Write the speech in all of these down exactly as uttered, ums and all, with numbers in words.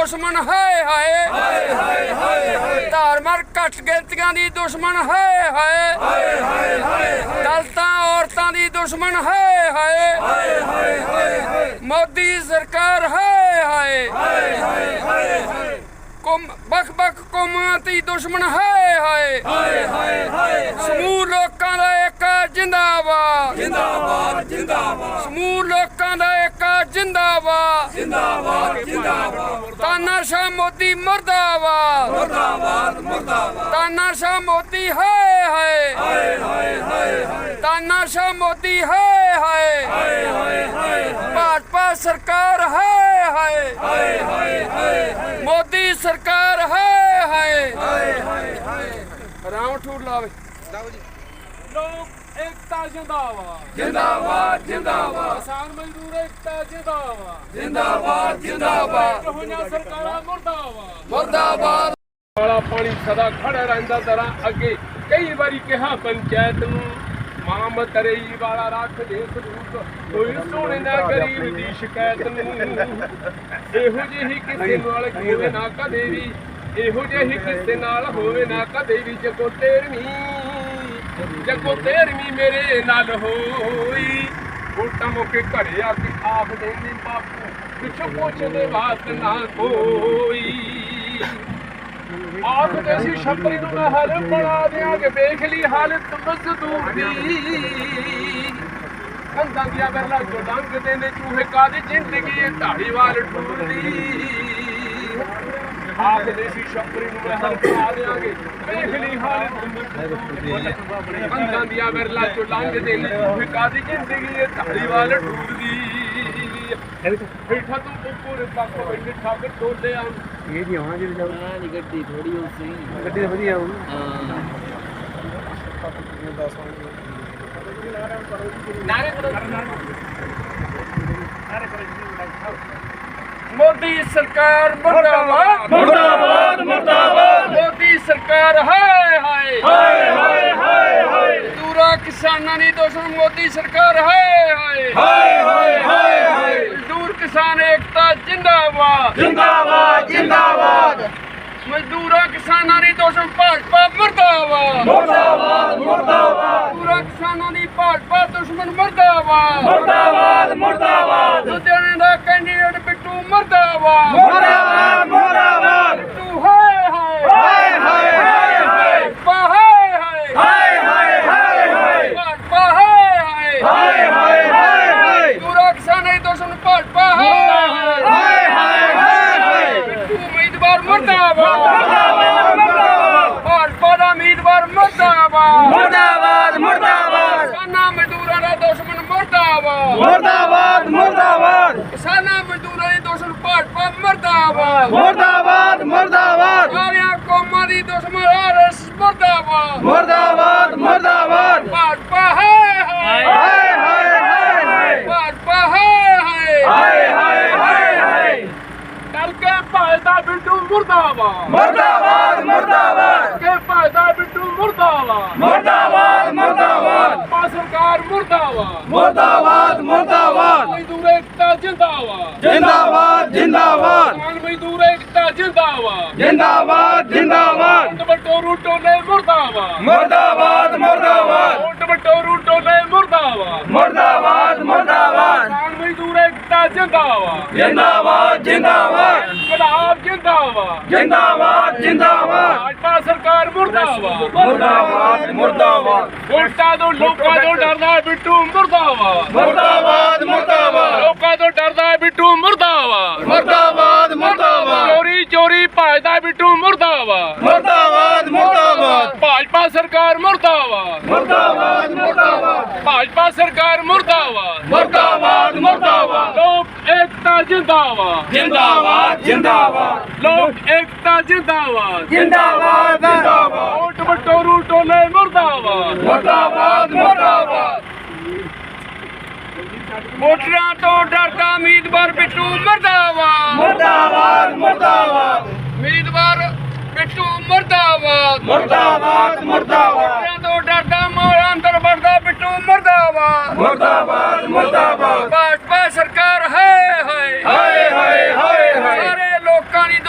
दुश्मन हाय हाय धार्मिक घट गिनतियां दी दुश्मन हाय हाय दलितां औरतां दी दुश्मन हाय हाय मोदी सरकार हाय हाय बख बख कौमां दी दुश्मन हाय हाय समूह लोकां दा एक जिंदाबाद जिंदाबाद जिंदाबाद समूह लोकां दा एक जिंदाबाद जिंदाबाद जिंदाबाद तानाशाह मोदी मुर्दाबाद मुर्दाबाद मुर्दाबाद तानाशाह मोदी हाय हाय तानाशाह मोदी हाय हाय भाजपा सरकार हाय हाय मोदी सरकार हाय हाय राम ठूर लावे लोक एकता जिंदाबाद जिंदाबाद जिंदाबाद किसान मजदूर एकता जिंदाबाद जिंदाबाद जिंदाबाद होइयां सरकारां मुर्दाबाद मुर्दाबाद वाला पानी सदा खड़ा रहिंदा तरह अगे कई बारी कहा पंचायत नूं मां मतरई वाला रख दे सबूत कोई सोने ना गरीब दी शिकायत नूं ਇਹੋ ਜਿਹੀ ਕਿਸੇ ਨਾਲ ਹੋਵੇ ਨਾ ਕਦੇ ਵੀ ਇਹੋ ਜਿਹੀ ਕਿਸੇ ਨਾਲ ਹੋਵੇ ਨਾ ਕਦੇ ਵੀ ਜਗੋ ਤੇਰਵੀਂ ਜਗੋ ਤੇਰਵੀਂ ਮੇਰੇ ਨਾਲ ਹੋਈ ਵੋਟਾਂ ਮੌਕੇ ਘਰੇ ਆ ਕੇ ਆਪ ਦੇਂਦੀ ਬਾਪੂ ਪਿੱਛੋਂ ਪੁੱਛਦੇ ਬਾਤ ਨਾ ਕੋਈ ਆਪ ਦੇਸੀ ਛੱਪਰੀ ਨੂੰ ਮੈਂ ਹਲ ਬਣਾ ਦਿਆਂਗੇ ਵੇਖ ਲਈ ਹਾਲਤ ਮਜ਼ਦੂਰ ਦੀ ਕੰਧਾਂ ਦੀਆਂ ਬਰਲਾ ਚੋਂ ਲੰਘਦੇ ਨੇ ਚੂਹੇ ਕਾਦੀ ਜ਼ਿੰਦਗੀ ਇਹ ਢਾੜੀਵਾਲ ਟੂਰਦੀ ਆਪ ਦੇਸੀ ਛੱਪਰੀ ਨੂੰ ਮੈਂ ਹਲ ਬਣਾ ਦਿਆਂਗੇ ਵੇਖ ਲਈ ਹਾਲਤ ਮਜ਼ਦੂਰ ਦੀ ਕੰਧਾਂ ਦੀਆਂ ਬਰਲਾ ਚੋਂ ਲੰਘਦੇ ਨੇ ਚੂਹੇ ਕਾਦੀ ਜ਼ਿੰਦਗੀ ਇਹ ਢਾੜੀਵਾਲ ਟੂਰਦੀ ਬੈਠਾ ਤੂੰ ਉੱਪਰ ਪੱਕ ਬੈਠੇ ਠੱਗ ਟੋਲੇ ਆ ਇਹ ਜੀ ਆਉਣਾ ਜਿਹੜੀ ਜਾਉ ਨਾ ਨਹੀਂ ਗੱਡੀ ਥੋੜੀ ਹੋ ਸੀ ਗੱਡੀ ਤਾਂ ਵਧੀਆ ਆਉ ਹਾਂ ਨਾਰੇ ਕਰੋ मोदी सरकार मुर्दाबाद मुर्दाबाद मुर्दाबाद मोदी सरकार हाय हाय हाय हाय हाय हाय मजदूरा किसानां दी दुश्मन मोदी सरकार हाय हाय हाय हाय हाय हाय मजदूर किसान एकता जिंदाबाद जिंदाबाद जिंदाबाद मजदूरा किसानां दी दुश्मन भाजपा मुर्दाबाद मुर्दाबाद मुर्दाबाद मजदूरा किसानां दी भाजपा दुश्मन मुर्दाबाद मुर्दाबाद मुर्दाबाद लुधियाने दा कैंਡੀਡੇਟ बिट्टू मुर्दाबाद मुर्दाबाद मुर्दाबाद बिट्टू हाय हाय हाय हाय हाय हाय हाय हाय हाय हाय हाय हाय भाजपा हाय हाय हाय हाय हाय हाय मजदूरा किसानां दी दुश्मन भाजपा हाय हाय हाय हाय हाय हाय बिट्टू उम्मीदवार मुर्दाबाद मुर्दाबाद भाजपा दा उम्मीदवार मुर्दाबाद मुर्दाबाद मुर्दाबाद किसानां मजदूरां दा दुश्मन मुर्दाबाद मुर्दाबाद मुर्दाबाद किसानां मजदूरां दी दुश्मन भाजपा मुर्दाबाद मुर्दाबाद मुर्दाबाद सारियां कौमां दी दुश्मन आरएस मुर्दाबाद मुर्दाबाद मुर्दाबाद भाजपा हाय हाय हाय हाय हाय हाय भाजपा हाय हाय हाय हाय हाय हाय डर के भाजदा बिट्टू मुर्दाबाद मुर्दाबाद मुर्दाबाद के भाजदा बिट्टू मुर्दाबाद मुर्दाबाद मुर्दाबाद भाजपा सरकार मुर्दाबाद मुर्दाबाद मुर्दाबाद मजदूर एकता जिंदाबाद जिंदाबाद जिंदाबाद किसान मजदूर एकता जिंदाबाद जिंदाबाद जिंदाबाद वोट बटोरू टोले मुर्दाबाद मुर्दाबाद मुर्दाबाद वोट बटोरू टोले मुर्दाबाद मुर्दाबाद मुर्दाबाद किसान मजदूर एकता जिंदाबाद जिंदाबाद जिंदाबाद गुलाब जिंदाबाद जिंदाबाद जिंदाबाद भाजपा सरकार मुर्दाबाद मुर्दाबाद मुर्दाबाद वोटां तो लोकां तो डरदा बिट्टू मुर्दाबाद मुर्दाबाद मुर्दाबाद लोकां तो डरदा बिट्टू मुर्दाबाद मुर्दाबाद मुर्दाबाद चोरी चोरी भाजदा बिट्टू मुर्दाबाद मुर्दाबाद मुर्दाबाद भाजपा सरकार मुर्दाबाद मुर्दाबाद मुर्दाबाद भाजपा सरकार मुर्दाबाद मुर्दाबाद मुर्दाबाद लोक एकता जिंदाबाद जिंदाबाद जिंदाबाद लोक एकता जिंदाबाद जिंदाबाद जिंदाबाद वोट बटोरू टोले मुर्दाबाद मुर्दाबाद मुर्दाबाद वोटरां तो डरदा उम्मीदवार बिट्टू मुर्दाबाद मुर्दाबाद मुर्दाबाद उम्मीदवार बिट्टू मुर्दाबाद मुर्दाबाद मुर्दाबाद वोटरां तो डरदा मोर अंदर वड़दा बिट्टू मुर्दाबाद मुर्दाबाद मुर्दाबाद भाजपा सरकार हाय हाय हाय हाय हाय हाय सारे लोकां दी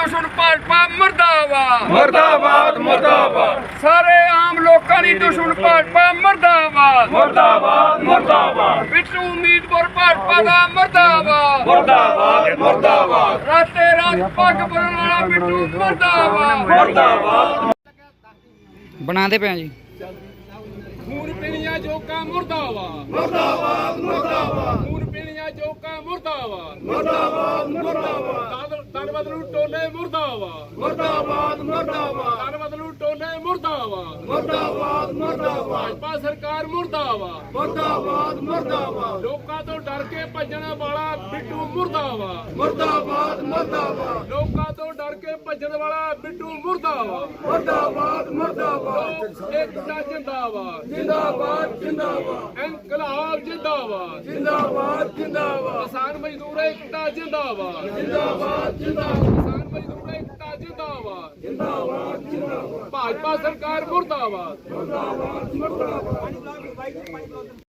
ਮਰਦਾਬਾਦ ਮੁਰਦਾਬਾਦ ਮੁਰਦਾਬਾਦ ਸਾਰੇ ਆਮ ਲੋਕਾਂ ਦੀ ਦੁਸ਼ਮਣ ਭਾਜਪਾ ਮਰਦਾਬਾਦ ਮੁਰਦਾਬਾਦ ਮੁਰਦਾਬਾਦ ਬਿੱਟੂ ਉਮੀਦਵਾਰ ਭਾਜਪਾ ਦਾ ਮਰਦਾਬਾਦ ਮੁਰਦਾਬਾਦ ਮੁਰਦਾਬਾਦ ਰਾਤੇ ਰਾਤ ਪੱਗ ਬੰਨਣ ਵਾਲਾ ਬਿੱਟੂ ਮਰਦਾਬਾਦ ਮੁਰਦਾਬਾਦ ਬਣਾਉਂਦੇ ਪਏ ਆ ਜੀ। ਖੂਨ ਪੀਣੀਆਂ ਜੋਕਾਂ ਮੁਰਦਾਬਾਦ ਮੁਰਦਾਬਾਦ ਮੁਰਦਾਬਾਦ ਖੂਨ ਪੀਣੀਆਂ ਜੋਕਾਂ ਮੁਰਦਾਬਾਦ ਮੁਰਦਾਬਾਦ ਮੁਰਦਾਬਾਦ ਤਨ ਬਦਲੂ ਟੋਲੇ ਮੁਰਦਾਬਾਦ ਮੁਰਦਾਬਾਦ ਮੁਰਦਾਬਾਦ ਤਨ ਬਦਲੂ ਟੋਲੇ ਮੁਰਦਾਬਾਦ ਮੁਰਦਾਬਾਦ ਮੁਰਦਾਬਾਦ ਭਾਜਪਾ ਸਰਕਾਰ ਮੁਰਦਾਬਾਦ ਮੁਰਦਾਬਾਦ ਮੁਰਦਾਬਾਦ ਲੋਕਾਂ ਤੋਂ ਡਰ ਕੇ ਭੱਜਣ ਵਾਲਾ ਬਿੱਟੂ ਮੁਰਦਾਬਾਦ ਮੁਰਦਾਬਾਦ ਮੁਰਦਾਬਾਦ ਲੋਕਾਂ ਤੋਂ ਡਰ ਕੇ ਭੱਜਣ ਵਾਲਾ ਬਿੱਟੂ ਮੁਰਦਾਬਾਦ ਮੁਰਦਾਬਾਦ ਮੁਰਦਾਬਾਦ ਏਕਤਾ ਜਿੰਦਾਬਾਦ ਜਿੰਦਾਬਾਦ ਜਿੰਦਾਬਾਦ ਇਨਕਲਾਬ ਜਿੰਦਾਬਾਦ ਜਿੰਦਾਬਾਦ ਜਿੰਦਾਬਾਦ ਕਿਸਾਨ ਮਜ਼ਦੂਰ ਏਕਤਾ ਜਿੰਦਾਬਾਦ ਜਿੰਦਾਬਾਦ ਜਿੰਦਾਬਾਦ ਕਿਸਾਨ ਮਜ਼ਦੂਰ ਏਕਤਾ ਜਿੰਦਾਬਾਦ ਜਿੰਦਾਬਾਦ ਜਿੰਦਾਬਾਦ ਭਾਜਪਾ ਸਰਕਾਰ ਮੁਰਦਾਬਾਦ ਮੁਰਦਾਬਾਦ ਮੁਰਦਾਬਾਦ